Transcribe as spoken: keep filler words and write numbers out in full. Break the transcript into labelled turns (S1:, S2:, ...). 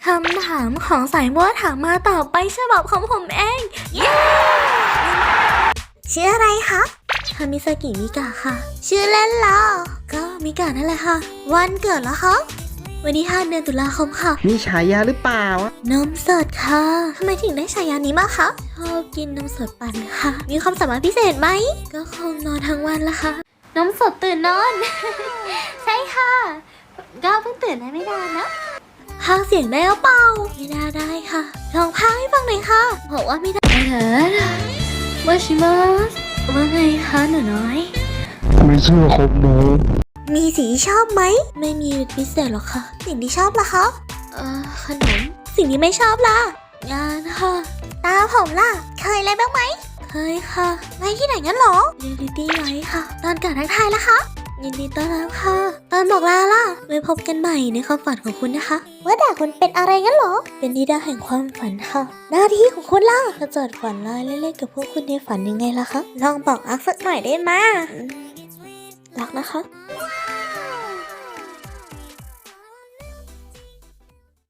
S1: คำถามของสายบัวถามมาต่อไปฉบับของผมเองเย้ชื่ออะไรคะคามิซากิมิกะค่ะชื่อเล่นล่ะก็มิกะนั่นแหละค่ะวันเกิดเหรอคะวันที่ห้าเดือนตุลาคมค่ะ
S2: มีฉายาหรือเปล่า
S1: นมสดค่ะทำไมถึงได้ฉายานี้มาคะชอบกินนมสดปั่นค่ะมีความสามารถพิเศษไหมก็คงนอนทั้งวันละค่ะนมสดตื่นนอน ใช่ค่ะก็เพิ่งตื่นได้ไม่นานนะพากเสียงได้หรือเปล่าไม่ได้ได้ค่ะลองพากให้ฟังหน่อยค่ะบอกว่าไม่ได้เถิดว่าชิมาสว่าไงคะหนูน้อย
S2: ไม่เชื่อคมหนู
S1: มีสีที่ชอบไหมไม่มีพิเศษหรอกค่ะสิ่งที่ชอบล่ะคะเอ่อขนมสิ่งที่ไม่ชอบล่ะงานค่ะตาผมล่ะเคยอะไรบ้างไหมเคยค่ะไว้ที่ไหนงั้นหรอเรียลลิตี้ไว้ค่ะตอนเกิดทักทายละคะยินดีต้อนรับค่ะตอนบอกลาล่ะไว้พบกันใหม่ในความฝันของคุณนะคะว่าด่าคุณเป็นอะไรงั้นหรอเป็นนิดาแห่งความฝันค่ะหน้าที่ของคุณล่ะจะจดฝันลายเล่นๆกับพวกคุณในฝันยังไงล่ะคะลองบอกอักสักหน่อยได้ไหมรักนะคะ